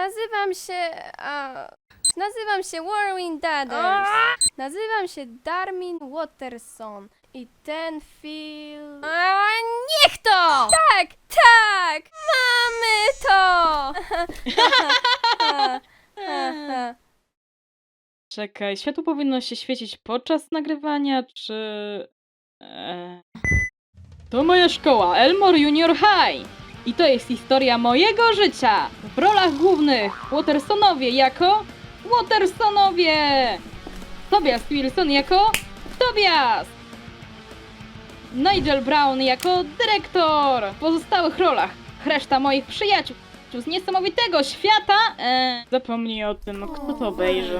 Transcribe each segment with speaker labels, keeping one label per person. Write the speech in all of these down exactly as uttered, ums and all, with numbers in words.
Speaker 1: Nazywam się... A, nazywam się Warwin Dadders. Nazywam się Darmin Watterson. I ten film... A, niech to! Tak, tak! Mamy to!
Speaker 2: Czekaj, światło powinno się świecić podczas nagrywania, czy... Eee... To moja szkoła, Elmore Junior High! I to jest historia mojego życia! W rolach głównych Wattersonowie jako... Wattersonowie! Tobias Wilson jako... Tobias! Nigel Brown jako dyrektor! W pozostałych rolach reszta moich przyjaciół z niesamowitego świata... Eee... Zapomnij o tym, kto to obejrzy.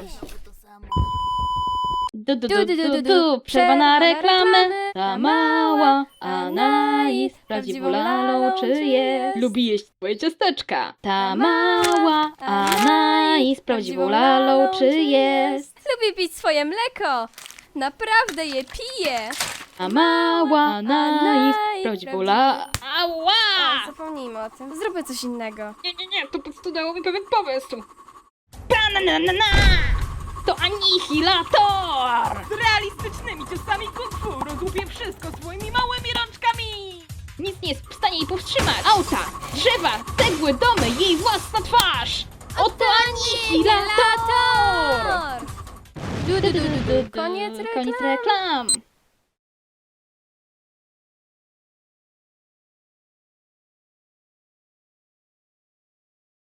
Speaker 2: Du, du, du, du, du, przerwa na reklamę. Ta mała Anais prawdziwą lalą czy jest? Lubi jeść twoje ciasteczka. Ta mała Anais prawdziwą lalą czy jest?
Speaker 1: Lubię pić swoje mleko. Naprawdę je piję.
Speaker 2: A mała Anais prawdziwą lalą...
Speaker 1: A,
Speaker 2: Ała!
Speaker 1: zapomnijmy o tym. Zróbmy coś innego.
Speaker 2: Nie, nie, nie, to po prostu dało mi pewien pomysł. Bananana! To anihilator!
Speaker 3: Z realistycznymi ciosami kung fu rozłupie wszystko swoimi małymi rączkami!
Speaker 2: Nic nie jest w stanie jej powstrzymać. Auta, drzewa, cegły, domy, jej własna twarz! Oto anihilator!
Speaker 1: Du, du, du, du, du. Koniec reklam.
Speaker 2: Koniec reklam.